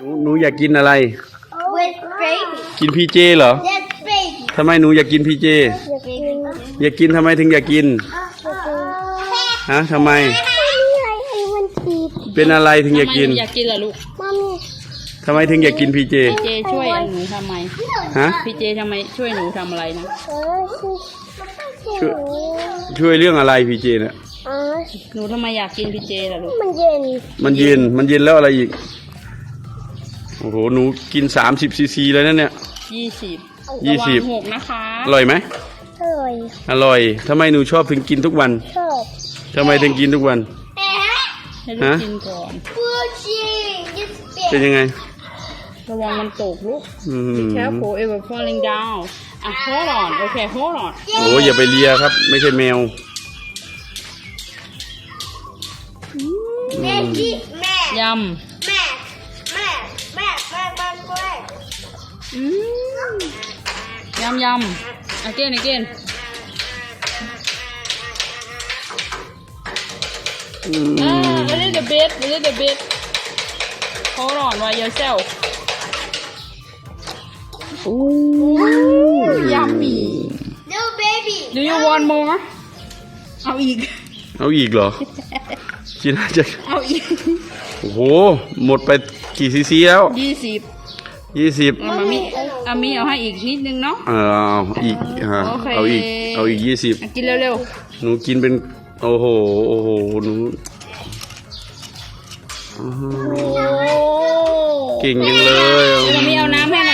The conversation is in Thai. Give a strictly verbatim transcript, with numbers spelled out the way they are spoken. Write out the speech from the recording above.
หนูหนูอยากกินอะไร with baby กินพีเจเหรอ yes baby ทำไมหนูอยากกินพีเจ อยากกินทำไมถึงอยากกิน ฮะทำไม เป็นอะไรถึงอยากกินอยากกินเหรอลูกทำไมถึงอยากกินพีเจเจช่วยหนูทำไมฮะพี่เจทำไมช่วยหนูทำอะไรนะช่วยช่วยเรื่องอะไรพีเจเนี่ยหนูทำไมอยากกินพี่เจล่ะลูกมันเย็นมันเย็น มันเย็นแล้วอะไรอีก โอ้โห หนูกินสามสิบซีซีเลยนะเนี่ยยี่สิบยี่สิบระวังหกนะคะอร่อยไหมอร่อยอร่อยทำไมหนูชอบถึงกินทุกวันชอบทำไมถึงกินทุกวันให้ลูกฮะกินก่อนฟูจิยิสเปียเป็นยังไงระวังมันตกลูกอืม Be careful it will falling down อ่ะ hold on okay hold on โอ้อย่าไปเลียครับ ไม่ใช่แมวแม่จีแม่ยแม่แม่แม่แม่แม่แม่ำอืมยำยำ again again อืมอ่า a little bit a little bit hold on by yourself โอ้ yummy no baby do you want more เอาอีกเอาอีกเหรอ กินอาจจะเอาอีกโอ้โห หมดไปกี่ซีซีแล้วยี่สิบยี่สิบเอามามีเอามีเอาให้อีกนิดนึงเนาะเออเอาอีกฮะโอเคเอาอีก เอาอีกยี่สิบอ่ะกินเร็วหนูกินเป็น โอ้โห โอ้โห หนูอื้อหือๆ โอ้เก่งจังเลยเอามามีเอาน้ำให้ห